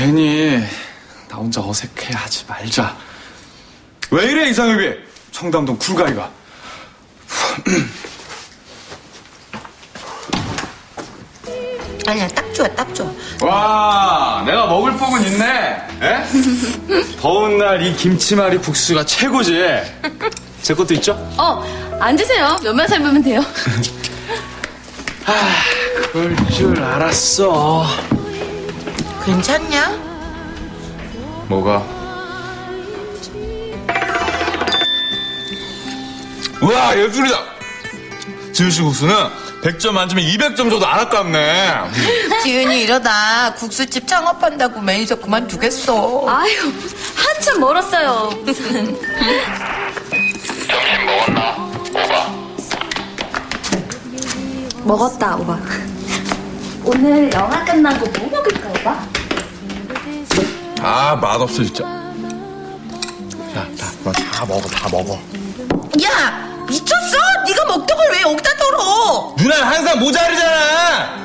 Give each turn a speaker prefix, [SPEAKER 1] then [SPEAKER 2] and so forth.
[SPEAKER 1] 괜히 나 혼자 어색해하지 말자. 왜 이래 이상엽이? 청담동 쿨가이가.
[SPEAKER 2] 아니야, 딱 좋아, 딱 좋아.
[SPEAKER 1] 와, 내가 먹을 복은 있네. 에? 더운 날 이 김치말이 국수가 최고지. 제 것도 있죠?
[SPEAKER 3] 앉으세요. 면만 삶으면 돼요.
[SPEAKER 1] 그럴 줄 알았어.
[SPEAKER 2] 괜찮냐?
[SPEAKER 1] 뭐가? 우와, 예술이다. 지우씨 국수는 100점 만점에 200점 정도 안 아깝네.
[SPEAKER 2] 지은이 이러다 국수집 창업한다고 매니저 그만두겠어.
[SPEAKER 3] 아유, 한참 멀었어요. 무슨.
[SPEAKER 4] 점심 먹었나? 오바.
[SPEAKER 3] 먹었다, 오빠. 오늘 영화 끝나고 뭐 먹을까, 오빠?
[SPEAKER 1] 아, 맛없어 진짜. 야, 너 다 먹어, 다 먹어.
[SPEAKER 2] 야, 미쳤어? 네가 먹던 걸 왜 여기다 덜어?
[SPEAKER 1] 누나 항상 모자르잖아.